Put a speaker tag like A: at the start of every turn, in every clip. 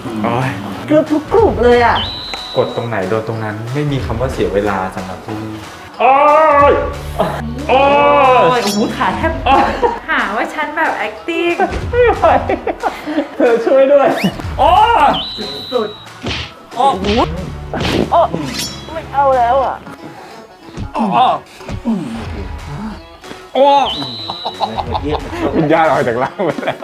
A: โอ้ย
B: เกือบทุกกลุ่มเลยอ่ะ
A: กดตรงไหนโดนตรงนั้นไม่มีคำว่าเสียเวลาสำหรับที่นี่โอ้ยโอ้ย
B: โอ้โหขาแทบหาว่าฉันแบบ acting
A: ไม่ไหวเธอช่วยด้วยโอ้ย
B: สุด
A: โอ้โห
B: โอ้ไม่เอาแล้วอ่ะ
A: โอ้โอ้วิญญาณออกจากร่างไปแล้ว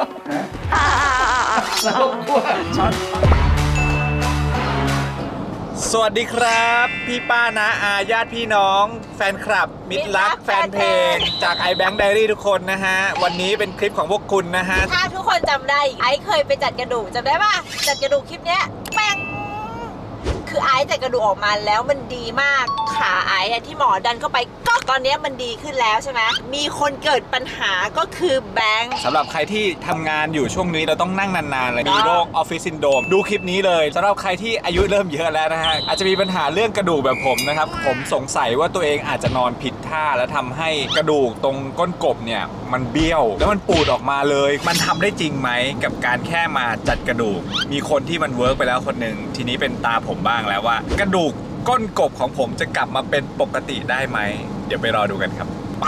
A: สวัสดีครับพี่ป้านะอาญาติพี่น้องแฟนคลับมิตรรักแฟนเพลงจาก iBank Diary ทุกคนนะฮะวันนี้เป็นคลิปของพวกคุณนะฮะ
C: ถ้าทุกคนจำได้ไอซ์เคยไปจัดกระดูกจำได้ป่ะจัดกระดูกคลิปเนี้ยแป้งคือไอซ์จัดกระดูกออกมาแล้วมันดีมากขาไอซ์ที่หมอดันเข้าไปก็ตอนนี้มันดีขึ้นแล้วใช่ไหมมีคนเกิดปัญหาก็คือแบงค์
A: สำหรับใครที่ทำงานอยู่ช่วงนี้เราต้องนั่งนานๆเลยมีโรคออฟฟิศซินโดรมดูคลิปนี้เลยสำหรับใครที่อายุเริ่มเยอะแล้วนะฮะอาจจะมีปัญหาเรื่องกระดูกแบบผมนะครับผมสงสัยว่าตัวเองอาจจะนอนผิดท่าแล้วทำให้กระดูกตรงก้นกบเนี่ยมันเบี้ยวแล้วมันปูดออกมาเลยมันทำได้จริงไหมกับการแค่มาจัดกระดูกมีคนที่มันเวิร์กไปแล้วคนหนึ่งทีนี้เป็นตาผมบ้างแล้วว่ากระดูกก้นกบของผมจะกลับมาเป็นปกติได้ไหมเดี๋ยวไปรอดูกันครับไป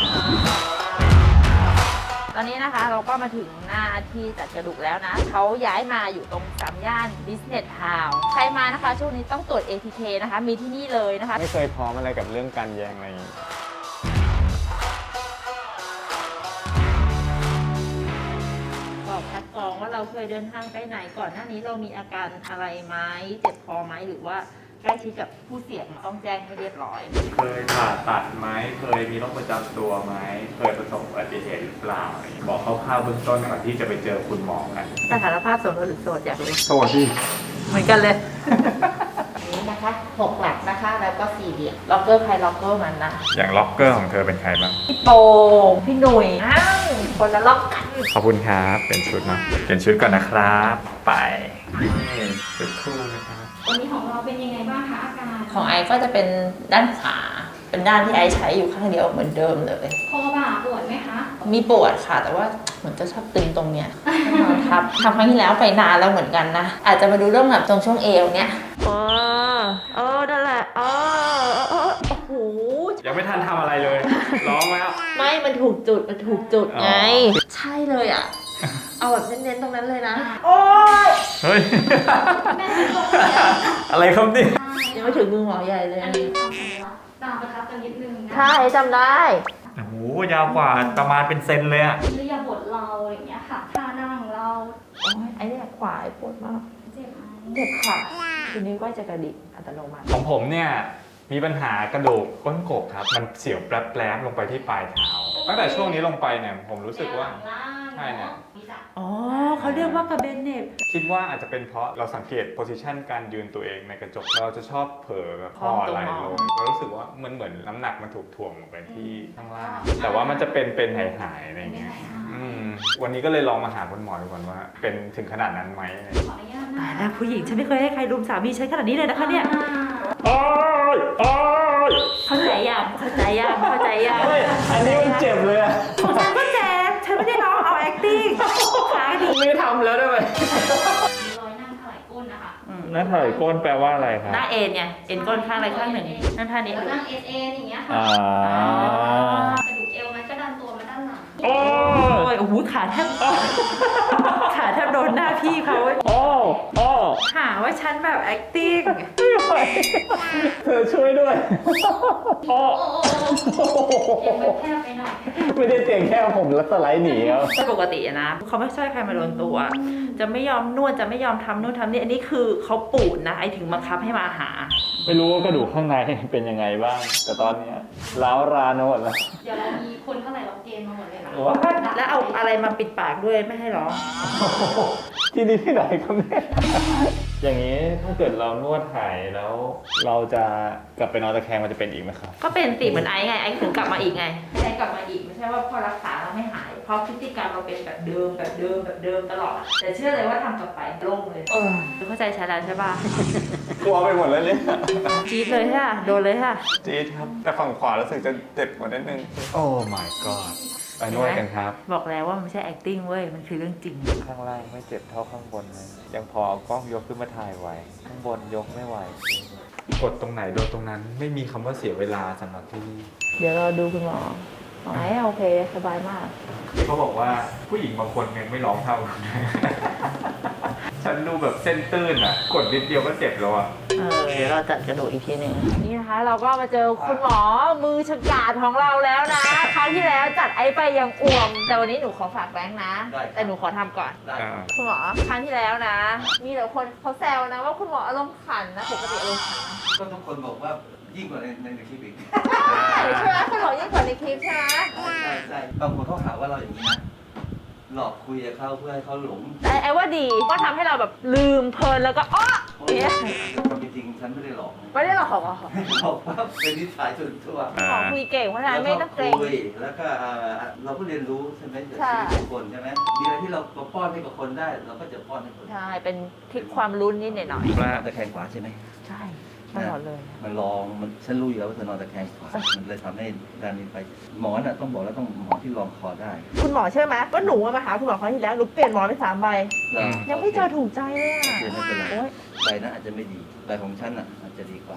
B: ตอนนี้นะคะเราก็มาถึงหน้าที่จัดกระดูกแล้วนะเขาย้ายมาอยู่ตรงสามย่าน Business Town ใครมานะคะช่วงนี้ต้องตรวจ ATK นะคะมีที่นี่เลยนะคะ
A: ไม่เคยพร้อมอะไรกับเรื่องการแยงอะไรอย่างนี้
B: บอกคัดกรองว่าเราเคยเดินทางไปไหนก่อนหน้านี้เรามีอาการอะไรไหมเจ็บคอไหมหรือว่าใกล้ชิดกับผู้เสี่ยงต้องแจ้งให้เรียบร้อย
A: เคยผ่าตัดไหมเคยมีโรคประจำตัวไหมเคยประสบอุบัติเหตุหรือเปล่าบอกคร่าวๆเบื้องต้นก่อนที่จะไปเจอคุณหมอกัน
B: สถานภาพโสดหรือโสดอยากรู้
A: สวัสดี
B: เหมือนกันเลย นี้นะคะ6 หลักนะคะแล้วก็4เหลี่ยมล็อกเกอร์ใครล็อกเกอร์มันนะ
A: อย่างล็อกเกอร์ของเธอเป็นใครบ้าง
B: พี่โปงพี่หนุ่ยอ้าวคนละล็อกกัน
A: ขอบคุณครับเป็นชุดเนาะเป็นชุดก่อนนะครับไปชุดคู่นะครับ
D: วันนี้ของเราเป็นยังไงบ้างคะอาการ
B: ของไอซ์ก็จะเป็นด้านขวาเป็นด้านที่ไอซ์ใช้อยู่ข้างเดียวเหมือนเดิมเลย
D: คอบ่าปวดไหมคะ
B: มีปวดค่ะแต่ว่าเหมือนจะชอบตึงตรงเนี้ยนอนทับทำครั้งที่แล้วไปนานแล้วเหมือนกันนะอาจจะมาดูเรื่องแบบตรงช่วงเอวเนี้ยนั่นแหละโอ้โห
A: ยังไม่ทันทำอะไรเลย ร้องแล้ว
B: ไม่มันถูกจุดไง
A: อ๋อ
B: ใช่เลยอ่ะเอาแบบเน้นๆตรงนั้นเลยนะ
A: เฮ้ย
D: แม่เป็นลมแล้ว
A: อะไรครับเนี่ย
B: ยังไม่ถึงมือหมอใหญ่เลย
D: อันนี้ความสำคัญตามประทับกันนิดนึงนะ
B: ใช่จำได้
A: โอ้โหยาวกว่าประมาณเป็นเซนเลยอะ
D: เรียบทเราอย่างเงี้ยค่ะท่านั่งเรา
B: โอ้ยไอ้เนี่ยขวาไอ้ปวดมาก
D: เจ็บไหม
B: เจ็บค่ะทีนี้ก็จะกระดิกอัตโนมัติ
A: ของผมเนี่ยมีปัญหากระดูกก้นกบครับมันเสียวแปรบๆลงไปที่ปลายเท้าตั้งแต่ช่วงนี้ลงไปเนี่ยผมรู้สึกว่า
D: ล่าง
A: ใช่เนี่ย
D: มีจับ
B: อ๋อเขาเรียกว่ากระเบนเน็บ
A: คิดว่าอาจจะเป็นเพราะเราสังเกตโพสิชันการยืนตัวเองในกระจกเราจะชอบเผลอแบบคอไหลลงเรารู้สึกว่ามันเหมือนน้ำหนักมันถูกถ่วงลงไปที่ข้างล่างแต่ว่ามันจะเป็นหายๆอะไรอย่างเงี้ยวันนี้ก็เลยลองมาหาคุณหมอดูก่อนว่าเป็นถึงขนาดนั้นไหม
D: ขออนุญาตนะ
B: ตายแล้วผู้หญิงฉันไม่เคยให้ใครรุมสามีฉันขนาดนี้เลยนะคะเนี่ย
A: โอ้ยโอ้ย
B: เข้าใจยังเข้าใจยัง
A: อันนี้มันเจ็บเลยอะ
B: ของฉันก็เจ็บฉันไม่ได้ร้องเอา acting ขาดี
A: ไม่ทำแล้วได้ไหม
D: มีรอยนั่งถลายก้นนะคะ
A: นั่นถอยก้นแปลว่าอะไรครับ
B: หน้าเอ็นไงเอ็นก้นข้างอะไรข้างหนึ่งนั่นท่านี้
D: แล้วนั่งเอสเออย่างเงี้ยค่ะ
A: อ่า
D: กระดูกเอวมันก็ดันตัวมาด้านหลัง
A: โอ้
B: โอ้ยโอ้โหขาแทบโดนหน้าพี่เขา
A: โอ้โอ้
B: หาว่าฉันแบบ acting
A: เธอช่วยด้วยโอ้
D: โอ้โอ้เอวมันแคบไปหน่อย
A: ไม่ได้เตียงแค่ผมแล้วสไลด์หนีครับ
B: ปกติอะนะเขาไม่ช่วยใครมาโดนตัว จะไม่ยอมนวดจะไม่ยอมทำนู่นทำนี่อันนี้คือเขาปูดนะไอถึงบังคับให้มาหา
A: ไม่รู้ว่ากระดูกข้างในเป็นยังไงบ้าง แต่ตอนเนี้ยร้าวรานหมดแล้ว
D: เดี๋ยวเรามีคนเท่าไหร่เราเกณฑ์มาหมดเลยค่ะ
A: ว้าย
B: แล้วเอาอะไรมาปิดปากด้วยไม่ให้ร้อง
A: ที่นี่ที่ไหนครับเนี่ยอย่างนี้ถ้าเกิดเรานวดหายแล้ว เราจะกลับไปนอนตะแคงมันจะเป็นอีกไหมครับ
B: ก็เป็นสิเหมือนไอซ์ไงไอซ์ถึงกลับมาอีกไงไอซ์กลับมาอีกไม่ใช่ว่าพอรักษาเราไม่หาย เพราะพฤติกรรมเราเป็นแบบเดิมตลอดอะแต่เชื่อเลยว่าทำต่อไปโล่งเลยเข้าใจฉันแล้วใช่ป่ะ
A: กลัวไปหมดแล้วเนี่ย
B: จี๊ดเลยค่ะโดนเลยค่ะ
A: จี๊ดครับ แต่ฝั่งขวารู้สึกจะเจ็บกว่านิดนึง โอ้ my god ไปนวดกันครับ
B: บอกแล้วว่ามันไม่ใช่ acting เว้ย มันคือเรื่องจริง
A: ข้างล่างไม่เจ็บเท่าข้างบนเลยยังพอเอากล้องยกขึ้นมาถ่ายไหวข้างบนยกไม่ไหวกดตรงไหนโดนตรงนั้นไม่มีคำว่าเสียเวลาสำหรับที่นี่
B: เดี๋ยวเราดูคุณหมออ๋อโอเค สบายมาก
A: เขาบอกว่าผู้หญิงบางคนยังไม่ร้องเท่า ฉันดูแบบเส้นตื้นอ่ะกดนิดเดียวก็เจ็บแล้วอ่ะ
B: เดี๋ยวเราจัดกระดูกอีกทีหนึ่งนี่นะคะ เราก็มาเจอคุณหมอมือฉกาจของเราแล้วนะ ครั้งที่แล้วจัดไอ้ไปยังอ่วม แต่วันนี้หนูขอฝากแบงค์นะ แต่หนูขอทำก่อน คุณหมอครั้งที่แล้วนะ มีแต่คนเขาแซวนะว่าคุณหมออารมณ์ขันนะปกติอารมณ์ขันนะ
E: ก็ทุกคนบอกว่ายิ่งกว่าในคลิปอีก
B: ใช่ไหมคุณหมอยิ่งกว่าในคลิปใช่ไหม
E: ใช่บางคนเขาหาว่าเราอย่างนี้นะหลอกคุยกับเขาเพื่อให้เขาหลง
B: แต่ไอ้ว่าดีก็ทำให้เราแบบลืมเพลินแล้วก็อ้อเนี่ย
E: ความเป็นจริงฉันไม่ได้หลอก
B: ไม่ได้หรอกเหรอ
E: หลอกว่าเป็นนิสัยส่วนตัว
B: คุณหมอคุยเก่งเพราะฉะนั้นไม่ต้องเกรง
E: คุยแล้วก็เราก็เรียนรู้ใช่ไหมจาก
B: ใช่
E: ชีวิตของคนใช่ไหมมีอะไรที่เราป้อนให้กับคนได้ เราก็จะป้อนให้คน
B: ใช่ เป็นทริคความรู้นิดหน่อย
E: นอนตะแคงขวาใช่ไหม
B: ใช่ตลอดเลย
E: มันลองมันฉันรู้อยู่แล้วว่าเธอนอนตะแคงขวามันเลยทำให้การบินไปหมอน่ะต้องบอกแล้วต้องหมอที่รองคอได้
B: คุณหมอเชื่อไหมว่าหนูมาหาคุณหมอครั้งที่แล้วหนูเปลี่ยนหมอไป3 ใบ ยังไม่เจอถูกใจเลยอ่ะ
E: เดี๋ยวไม่เป็นไร
B: โอ๊ย
E: ใบนั้นอาจจะไม่ดีใบของฉันอ่ะอาจจะดีกว่า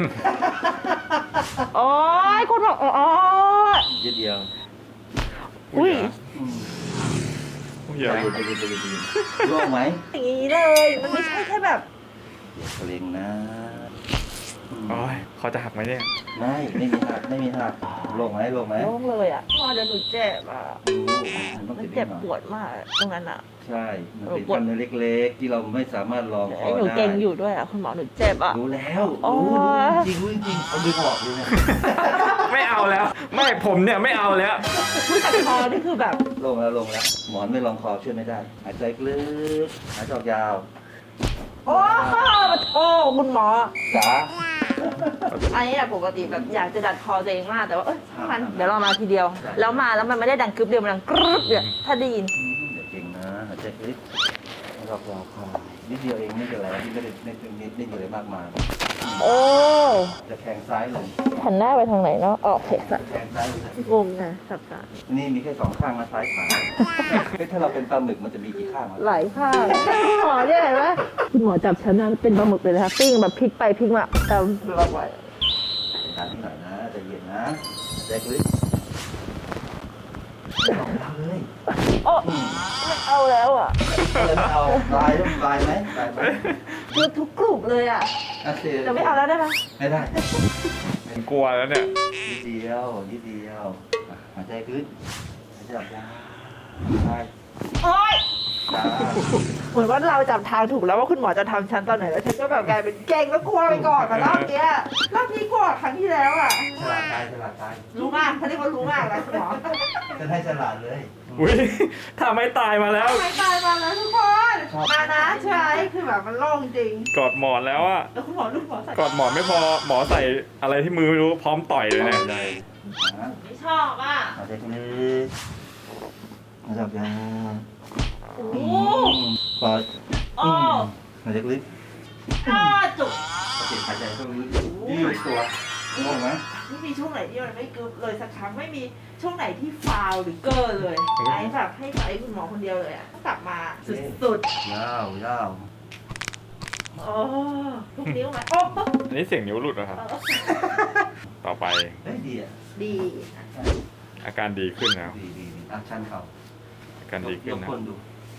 B: โอ๊ยคุณหมออ๋อ
E: นิดเดียว
B: อุ้ย
E: อืม
A: เยอะ
E: ใจเย็นโล่งไหม
B: อย่างนี้เลย มันไม่ใช่แค่แบบ
E: เกรงนะอืม
A: โอ้ยเขาจะหักไหมเนี่ย
E: ไม่มีหักไม่มีหักโล่งไหมโล่งไหม
B: โล่งเลยอ่ะพอเดี๋ยวหนูเจ็บอ่ะ
E: มันต้อง
B: มัน
E: เจ็
B: เจ็
E: บบ นิดห
B: ป
E: น่อยว
B: ดมากตรงนั้นอ่ะ
E: ใช่ มันเป็นกล้ามเนื้อเล็กๆ ที่เราไม่สามารถรองคอ
B: ไอ้หนู
E: ได้
B: เก่งอยู่ด้วยอ่ะคุณหมอหนูเจ็บอ่ะ
E: รู้แล้ว
B: โอ้
E: รู้จริงเอาดึงออกเลยนะ
A: ไม่เอาแล้ว ไม่ผมเนี่ยไม่เอาแล้ว
B: คือแต่คอนี่คือแบบ
E: โล่งแล้วหมอนไม่รองคอช่วยไม่ได้หายใจลึกหายใจออกยาว
B: โอ้มาโทษคุณหมอ
E: จ๋า
B: ไอ้อะปกติแบบอยากจะดัดคอตัวเองมากแต่ว่าช่างมันเดี๋ยวเรามาทีเดียว แล้วมาแล้วมันไม่ได้ดังกึ๊บเดียวมันดังกรึ๊บเนี่ยถ้าได้ยิน
E: อย่าเก่งนะหายใจลึกรอบๆคอนิดเดียวเองไม่เป็นไรที่ไม่ได้ไม่มีอะไรมากมาย
B: โอ้
E: จะแข่งซ้ายลง
B: หันหน้าไปทางไหนเนาะออกเพจอะ
E: แข่งซ้ายลง
B: งงไงสับสน
E: นี่มีแค่2 ข้างนะซ้ายขวาเฮ้ยถ้าเราเป็นปลาหมึกมันจะมีกี่ข้างวะ
B: ไหลข้างคุณหมอเนี่ยเห็นไหมคุณหมอจับฉันนะเป็นปลาหมึกเลยนะคะปิ้งแบบพลิกไปพลิกมาแต่เราไหว
E: การที่หน่อยนะใจเย็นนะใจลึกไม่เอาแล้วเลย
B: โอ้ไม่เอาแล้วอ่ะ
E: เลยไม่เอาลายต้องลายไหมลายไหม
B: คือทุกกลุ่มเลยอ่ะ
E: โอเค
B: จะไม่เอาแล้วได้ไหม
E: ไม่ได้
A: ผมกลัวแล้วเนี่ย
E: นิดเดียวอ่ะหายใจลึกหายใจออกยาวใช่
B: โอ๊ย
E: จ้า
B: เหมือนว่าเราจับทางถูกแล้วว่าคุณหมอจะทำฉันตอนไหนแล้วฉันก็แบบกลายเป็นเก่งแล้วกลัวไปก่อนแต่รอบเนี้ยรอบนี้กลัวกว่าครั้งที่แล้วอ่ะ
E: ฉลาดตายฉลาดตาย
B: รู้มากเขาเรียกว่ารู้มากแล้วคุณหมอ
E: จะให้ฉลาดเลย
A: อุ้ยถ้าไม่ตายมาแล้ว
B: ไม่ตายมาแล้วทุกคนมานะใช่คือแบบมันโล่งจริง
A: กอดหมอนแล้วอะ
B: แล้วคุณหมอลูกหมอใส่
A: กอดหมอนไม่พอหมอใส่อะไรที่มือไม่รู้พร้อมต่อยเลยเนี่ย
E: เลยนะ
B: ไม่ชอบอ่ะ
E: หายใจลึกหายใจออกยาว
B: โอ้โห
E: ปอด
B: โอ้
E: หายใจลึก
B: อ้าจุก
E: โอเคหายใจเข้าลึกยืดตัวงงไหม
B: ไม่มีช่วงไหนที่มันไม่กึบเลยสักครั้งไม่มีช่วงไหนที่ฟาวหรือเกอร์เลยไอ้แบบให้กับไอ้คุณหมอคนเดียวเลยอ่ะกลับมาสุด
E: ยาวยาว
B: ๆโอ้ทุกนิ้วไหมโอ้
A: อันนี้เสียงนิ้วหลุดเหรอครับ ต่อไป
E: เฮ้ยดีอ่ะ
B: ดี
A: อาการดีขึ้นแล้ว
E: ดีอ่ะชันเข่า
A: อาการดีขึ้น
E: ยก
A: นะ
E: คนดู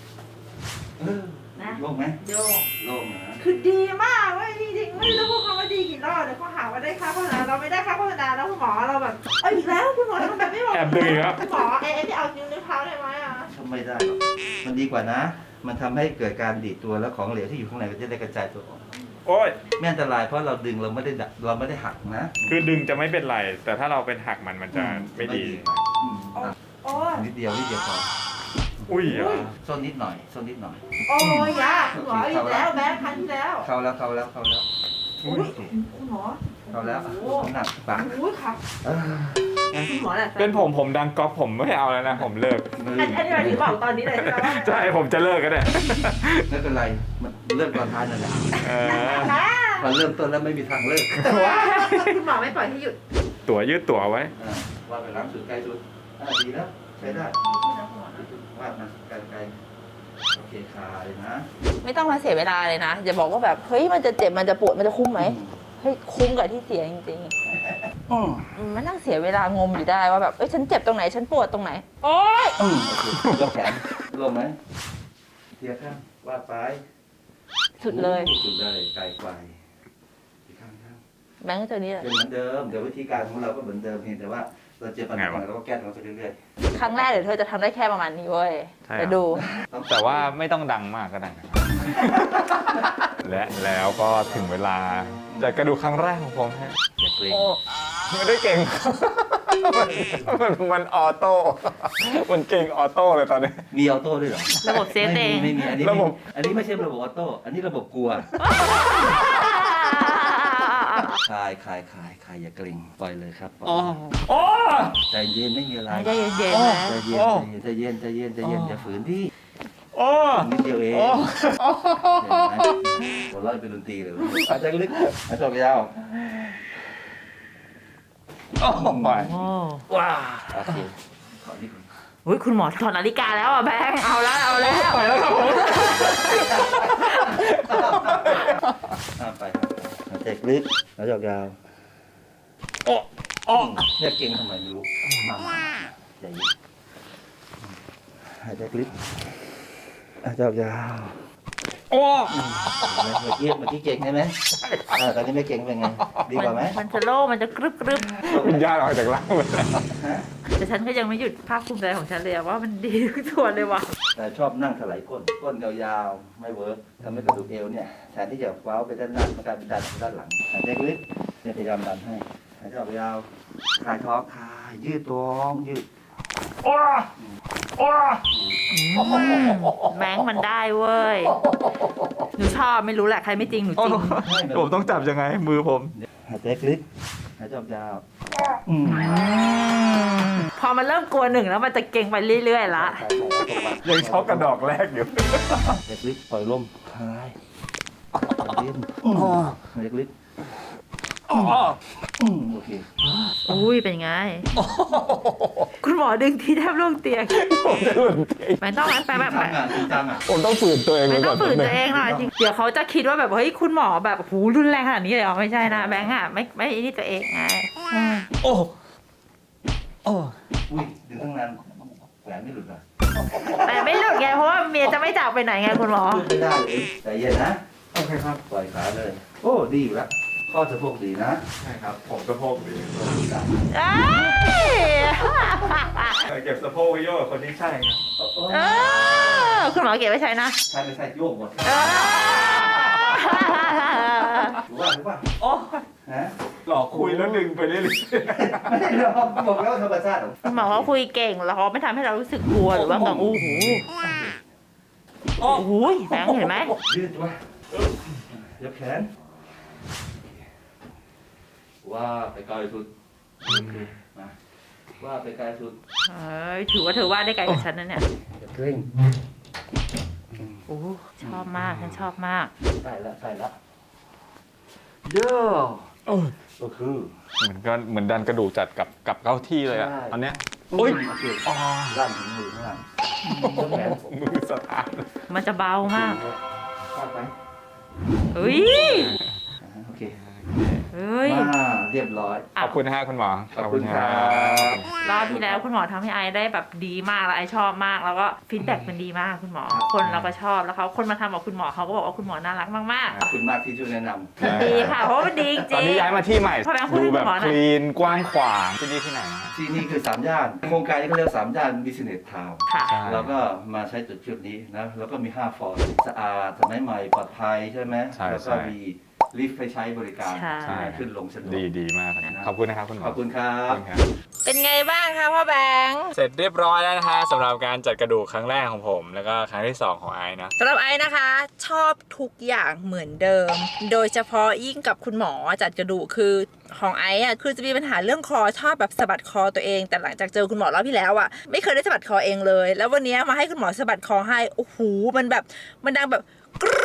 B: นะ
E: โล่งไหม
B: โยก
E: โล่งนะ
B: คือดีมากเว้ยจริงๆไม่รู้พูดคำว่าดีกี่รอบเดี๋ยวเขาหาว่าได้ค่าโฆษณาเราไม่ได้ค่าโฆษณาแล้วคุณหมอเราแบบอีกแล้วคุณหมอทำแบบไม่บอก
A: แอบดึงอีกแล้ว
B: คุณหมอที่เอานิ้วเท้าได้ไหมอ่ะ
E: ทำไม่ได้หรอกมันดีกว่านะ มันทำให้เกิดการดีดตัวแล้วของเหลวที่อยู่ข้างในก็จะได้กระจายตัวออก
A: โอ้ย
E: ไม่อันตรายเพราะเราดึงเราไม่ได้หักนะ
A: คือดึงจะไม่เป็นไร แต่ถ้าเราเป็นหักมันจะไม่ดี
E: อ่ะ
B: โอ้ย
E: นิดเดียวพอ
A: อุ้ยเหรอ
E: ส้นนิดหน่อย
B: โอ้ยยากคุณหมออีกแล้วแบงค์ครั้งที่แล้ว
E: เข้าแล้ว
A: อุ้ย
B: คุณหมอ
E: เข้าแล้วน้ำหนักปาก
B: อุ้ยครับคุณหมอแหละ
A: เป็นผมดังก๊อปผมไม่เอาแล้วนะ ผมเลิก
B: อันนี้เราที่บอกตอนนี้เลยใช่ไหม
A: ใช่ผมจะเลิกก็ได้
E: ไม่เป็นไรมันเลิกตอนท้ายนั่นแหละ
A: เออ
E: พอเริ่มต้นแล้วไม่มีทางเลิก
B: คุณหมอไม่ปล่อยให้หยุด
A: ตั๋วยืดตั๋วไว้
E: ว่าไปล้างสุดใกล้สุดดีแล้วใช้ได้วาดมาไกลๆโอเคคลายนะ
B: ไม่ต้องมาเสียเวลาเลยนะอย่าบอกว่าแบบเฮ้ยมันจะเจ็บมันจะปวดมันจะคุ้มไหมเฮ้ยคุ้มกับที่เสียจริงๆมันนั่งเสียเวลางมอยู่ได้ว่าแบบเอ้ยฉันเจ็บตรงไหนฉันปวดตรงไหนโอ๊ย
E: โอเคยกแขนลงไหมเทียข้างวาดไป
B: สุดเลย
E: สุดเลยไกลไปอีกข้าง
B: แบงค์ตัวนี้แหละ
E: เป็นเหมือนเดิมเดี๋ยววิธีการของเราก็เหมือนเดิมเพียงแต่ว่าเราเจอปัญหาเราก็แก้มันไปเรื่อย
B: ครั้งแรกเดี๋ยวเธอจะทำได้แค่ประมาณนี้เว้ย
A: ใช่
B: จะดู
E: ๆ
A: แต่ว่าไม่ต้องดังมากก็ได้นะครับ และแล้วก็ถึงเวลาจัดกระดูกครั้งแรกของผมฮะ
E: อย่าเกรง
B: โอ้
A: ไม่ได้เก่ง มันออโต้มันเก่งออโต้เลยตอนนี้
E: มีออโต้ด้วยเหรอ
B: ระบบเซฟเอง
E: ไม่มีอันนี้
A: ระบบ
E: อันนี้ไม่ใช่ระบบออโต้อันนี้ระบบกลัวคลายอย่าเกรงปล่อยเลยครับปล่อย
A: โอ้
E: ใจเย็นไม่มีอะไร
B: ใจเย็นๆนะ
E: ใจเย็นอย่าฝืนที่
A: โอ้
E: นิดเดียวเอง
A: โอ้
E: เห็นไหมหัวเราะเป็นดนตรีเลยหายใจลึกหายใจยาว
A: โอ้ไป
B: โอ้
E: ว้าโอเคขอนี่ก่อน
B: อุ๊ยคุณหมอถอดนาฬิกาแล้วอ่ะแบงค์เอาแล้ว
A: ไปแล้วครับผม
E: ไปหายใจลึกหายใจยาว
A: โอ้โอ้
E: เนี่ยเก่งทำไมไม่รู้มาใจเย็นหายใจลึกหายใจยาว
A: โอ้
E: เมื่อกี้เก่งใช่ไหมตอนนี้ไม่เก่งเป็นไงดีกว่าไหม
B: มันจะโล่มันจะกรึบ
A: วิญญาณออกจากร่างเลย
B: แต่ฉันก็ยังไม่หยุดภาคภูมิใจของฉันเลยอะว่ามันดีทุกส่วนเลยว่ะ
E: แต่ชอบนั่งถลายก้นยาวๆไม่เวิร์กทำให้กระดูกเอวเนี่ยแทนที่จะว้าวไปด้านหน้ามันกลายเป็นดันไปด้านหลังหายใจลึกเนี่ยพยายามดันให้หายใจออกยาวคลายท้องคลายยืดตัวยืด
A: โอ้โอ้
B: แบงค์มันได้เว้ยหนูชอบไม่รู้แหละใครไม่จริงหนูจริง
A: ผมต้องจับยังไงมือผม
E: หายใจลึกหายใจออกยาว
B: พอมันเริ่มกลัวหนึ่งแล้วมันจะเก่งไปเรื่อยๆละ
A: ยังช็อกกระดอกแรกอยู่
E: หายใจลึกปล่อยลมคลายเย็นหายใจลึกโอเค
B: อุ้ยเป็นไง คุณหมอดึงที่แทบล่วงเตียง
A: ผมจะหลุดเอง
B: ไม่ต้องนั้นไปแบบ
E: จริงจังอ่ะ
A: ผมต้องฝืนตัวเอง
B: ไม่
A: ไว้
B: ต้
A: ก่
B: อ
A: อง น
B: ฝืนตัวเองหน่อยจริงเดี๋ยวเขาจะคิดว่าแบบเฮ้ยคุณหมอแบบหูรุนแรงขนาดนี้เลยเหรอไม่ใช่นะแบงค์อะไม่นี่ตัวเองไง
A: โอ้โอ้
E: อุ้ยดึงตั้งนานแหวนไม่หลุดอ่ะ
B: แต่ไม่หลุดไงเพราะว่าเมียจะไม่จากไปไหนไงคุณหมอ
E: ไม่ได้เลยใจเย็นนะ
A: โอเคครับ
E: ปล่อยขาเลย โอ้ดีอยู่แล้วข้อสะโพกดีนะ
A: ใช่ครับ ผมสะโพกดี
B: เอ้ย
A: เก็บสะโพกไว้โยกกับคนที่ใช่ครับ
B: เออคุณหมอเก็บไว้ใช้นะ
E: ใช่ไม่ใช่โยกหมด
B: เออ
E: รู้ป่ะ
A: โอ้
E: ฮะ
A: หลอกคุยแล้วดึงไปเรื่อย
E: ไม่ได้หรอกบอกแล้วธรรมชาติ
B: คุณหมอเขาคุยเก่งแล้วเขาไม่ทำให้เรารู้สึกกลัวหรือว่าแบบโอ้โห
A: ๆโอ้
B: โอ้โหแบงค์เห็นไหม
E: ยืดไว้ยกแขนว่าไปไกลสุดมาว่าไปไกลสุด
B: เอ้ยถือว่าเธอวาดได้ไกลกว่าฉันนะเนี่ย
E: อย่าเกร่ง
B: โอ้ชอบมากฉันชอบมาก
E: ใส่ละโย่ก็คือ
A: เหมือนดันกระดูกจัดกับเข้าที่เลยอะ
E: ใช่
A: อันเนี้ย
E: โอ้ยโอเคด้านถึงมือข้างหลังยกแขน
A: มือสตาร์ท
B: มันจะเบามาก
E: วาดไป
B: เฮ้ย
E: โอเค
B: เฮ้ย
E: เรียบร้อย
A: ขอบคุณนะฮะคุณหมอ
E: ขอบคุณครับ
B: รอบที่แล้วคุณหมอทำให้ไอได้แบบดีมากแล้วไอชอบมากแล้วก็ฟีดแบ็กมันดีมากคุณหมอ คนเราก็ชอบแล้วเขาคนมาทำกับคุณหมอเขาก็บอกว่าคุณหมอน่ารักมาก
E: ขอบคุณมากที่ช่วยแนะน
B: ๆดีค่ะเพราะว่ามันดีจ
A: ตอน
B: ริง
A: นี้ย้ายมาที่ใหม่
B: พอแบงค์พูด
A: ดู
B: ให้
A: แบบ
B: คุณหมอหน่
A: ค
B: อย
A: ลีนกว้างขวางที่นี่ที่ไหนนะ
E: ำที่นี่คือ3 ย่านโครงการนี้เขาเรียก3 ย่าน Business Town
B: ค่ะ
A: ใช่
E: เราก็มาใช้จุดนี้นะแล้วก็มี5 ฟอร์ดสะอาดสมัยใหม่ปลอดภัยใช่ไหม
A: ใช่
E: แล้วก็มีลิฟต์ไปใช้บริการ
B: ใช่
E: ขึ้นลงสะดวก
A: ดีมากครับขอบคุณนะครับคุณหมอ
E: ขอบคุณครับ
C: เป็นไงบ้างคะพ่อแบงค์
A: เสร็จเรียบร้อยแล้วนะฮะสำหรับการจัดกระดูกครั้งแรกของผม แล้วก็ครั้งที่ 2 ของไอซ์นะ
C: สำหรับไอ้นะคะ ชอบทุกอย่างเหมือนเดิม โดยเฉพาะยิ่งกับคุณหมอจัดกระดูกคือของไอ้อะคือจะมีปัญหาเรื่องคอชอบแบบสะบัดคอตัวเอง แต่หลังจากเจอคุณหมอรอบที่แล้วอะไม่เคยได้สะบัดคอเองเลย แล้ววันนี้มาให้คุณหมอสะบัดคอให้โอ้โหมันแบบมันดังแบบกรึบจ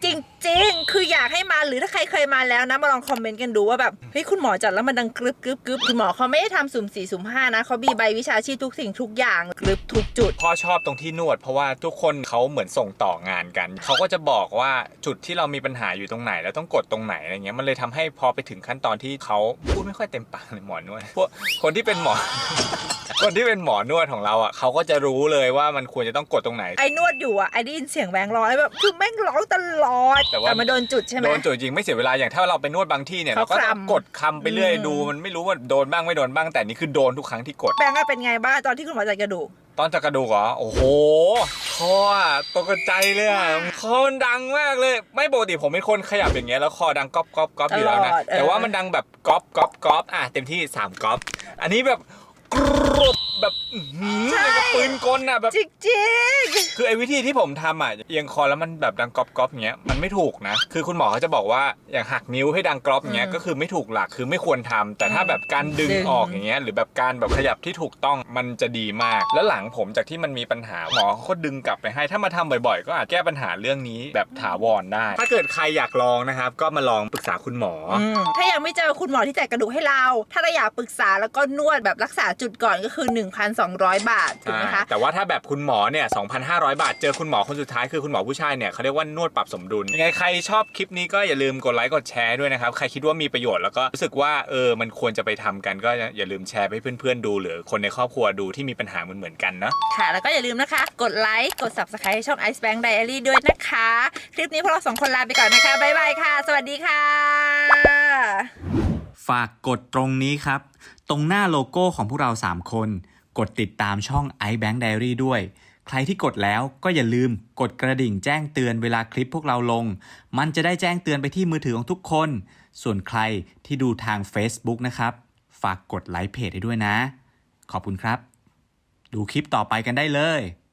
C: จริงๆ คืออยากให้มาหรือถ้าใครเคยมาแล้วนะมาลองคอมเมนต์กันดูว่าแบบเฮ้ยคุณหมอจัดแล้วมันดังกรึบกรึบกรึบคุณหมอเขาไม่ได้ทำสุ่ม4สุ่ม5นะเขามีใบวิชาชีพทุกสิ่งทุกอย่างกรึบทุกจุด
A: พ่อชอบตรงที่นวดเพราะว่าทุกคนเขาเหมือนส่งต่องานกันเขาก็จะบอกว่าจุดที่เรามีปัญหาอยู่ตรงไหนแล้วต้องกดตรงไหนอะไรเงี้ยมันเลยทำให้พอไปถึงขั้นตอนที่เขาพูดไม่ค่อยเต็มปากเลยหมอนวดพวกคนที่เป็นหมอ คนที่เป็นหมอนวดของเราอ่ะเขาก็จะรู้เลยว่ามันควรจะต้องกดตรงไหน
C: ไอ้นวดอยู่อ่ะไอ้ได้ยินเสียงแบงค์ร้อยแบบคือแม่งร้องตลอด
A: แต่ว่า
C: มาโดนจุดใช่ไหม
A: โดนจุดจริงไม่เสียเวลาอย่างถ้าเราไปนวดบางที่เนี่ย
C: เขา
A: เราก็ต้อง
C: คลำ
A: กดคำไปเรื่อยดูมันไม่รู้ว่าโดนบ้างไม่โดนบ้างแต่นี่คือโดนทุกครั้งที่กด
C: แบงค์อะเป็นไงบ้างตอนที่คุณหมอจัดกระดูก
A: ตอนจัดกระดูกเหรอโอ้โหคออะตกใจเลยอะคอมันดังมากเลยไม่ปกติผมเป็นคนขยับอย่างเงี้ยแล้วคอดังก๊อบก๊อบก๊อบอยู่แล้วนะ
C: ตลอด
A: แต่ว่ามันดังแบบก๊อบก๊อบก๊อบอ่ะเต็มที่3ก๊อบอันนี้แบบกรุบแบบอื้อหืออย่างกับปืนกลอ่ะแบบ
C: จริง
A: คือไอ้วิธีที่ผมทำอ่ะเอียงคอแล้วมันแบบดังก๊อบก๊อบอย่างเงี้ยมันไม่ถูกนะคือคุณหมอเขาจะบอกว่าอย่างหักนิ้วให้ดังก๊อบอย่างเงี้ยก็คือไม่ถูกหลักคือไม่ควรทำแต่ถ้าแบบการดึงออกอย่างเงี้ยหรือแบบการแบบขยับที่ถูกต้องมันจะดีมากแล้วหลังผมจากที่มันมีปัญหาหมอเขาก็ดึงกลับไปให้ถ้ามาทำบ่อยๆ ก็อาจแก้ปัญหาเรื่องนี้แบบถาวรได้ ถ้าเกิดใครอยากลองนะครับก็มาลองปรึกษาคุณหมอ
C: ถ้ายังไม่เจอคุณหมอที่จัดกระดูกให้เรา ถ้าเราอยากปรึกษาแล้วก็นวดแบบรักษาจุดก่อนก็คือ 1,200 บาทถูกไหมคะ
A: แต่ว่าถ้าแบบคุณหมอเนี่ย 2,500 บาท เจอคุณหมอคนสุดท้ายคือคุณหมอผู้ชายเนี่ยเขาเรียกว่านวดปรับสมดุลยังไงใครชอบคลิปนี้ก็อย่าลืมกดไลค์กดแชร์ด้วยนะครับใครคิดว่ามีประโยชน์แล้วก็รู้สึกว่ามันควรจะไปทำกันก็อย่าลืมแชร์ให้เพื่อนๆดูหรือคนในครอบครัวดูที่มีปัญหาเหมือนกันเนาะ
C: ค่ะแล้วก็อย่าลืมนะคะกดไลค์กด Subscribe ให้ช่อง Ice Bank Diary ด้วยนะคะคลิปนี้พวกเรา2คนลาไปก่อนนะคะบ๊ายบายค่ะสวัสดีค่ะ
F: ฝากกดตรงนี้ครับ ตรงหน้าโลโก้ของพวกเรา 3 คน กดติดตามช่อง iBank Diary ด้วย ใครที่กดแล้วก็อย่าลืมกดกระดิ่งแจ้งเตือนเวลาคลิปพวกเราลง มันจะได้แจ้งเตือนไปที่มือถือของทุกคน ส่วนใครที่ดูทาง Facebook นะครับ ฝากกดไลค์เพจให้ด้วยนะ ขอบคุณครับ ดูคลิปต่อไปกันได้เลย